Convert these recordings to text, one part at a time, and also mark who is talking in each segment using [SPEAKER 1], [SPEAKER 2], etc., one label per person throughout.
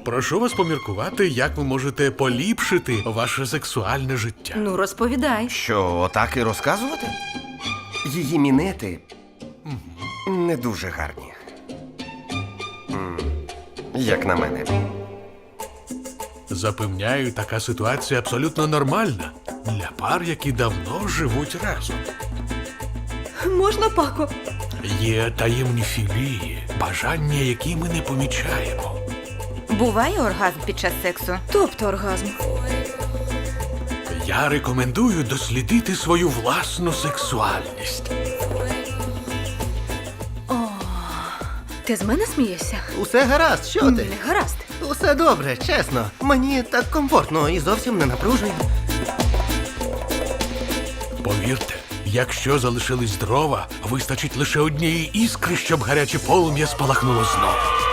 [SPEAKER 1] Прошу вас поміркувати, як ви можете поліпшити ваше сексуальне життя.
[SPEAKER 2] Ну, розповідай.
[SPEAKER 3] Що, отак і розказувати? Її мінети не дуже гарні. Як на мене.
[SPEAKER 1] Запевняю, така ситуація абсолютно нормальна для пар, які давно живуть разом.
[SPEAKER 2] Можна, Пако?
[SPEAKER 1] Є таємні філії, бажання, які ми не помічаємо.
[SPEAKER 4] Буває оргазм під час сексу?
[SPEAKER 2] Тобто оргазм.
[SPEAKER 1] Я рекомендую дослідити свою власну сексуальність.
[SPEAKER 2] Ти з мене смієшся?
[SPEAKER 5] Усе гаразд, що ти?
[SPEAKER 2] Не гаразд.
[SPEAKER 5] Усе добре, чесно. Мені так комфортно і зовсім не напружує.
[SPEAKER 1] Повірте, якщо залишились дрова, вистачить лише однієї іскри, щоб гаряче полум'я спалахнуло знову.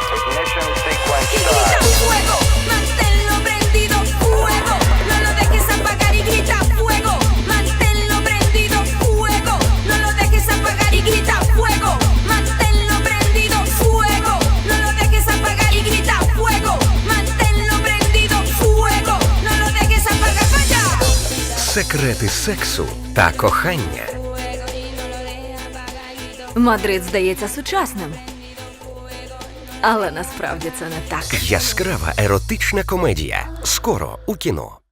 [SPEAKER 6] Fuego, manténlo prendido, fuego, no lo dejes apagar y grita fuego, manténlo prendido, fuego, no lo dejes apagar y grita fuego, manténlo prendido, fuego, no lo dejes apagar y grita fuego, manténlo prendido, fuego, no lo dejes apagar, vaya.
[SPEAKER 3] Секрети сексу та кохання.
[SPEAKER 2] Мадрид здається сучасним. Але насправді це не так.
[SPEAKER 3] Яскрава еротична комедія. Скоро у кіно.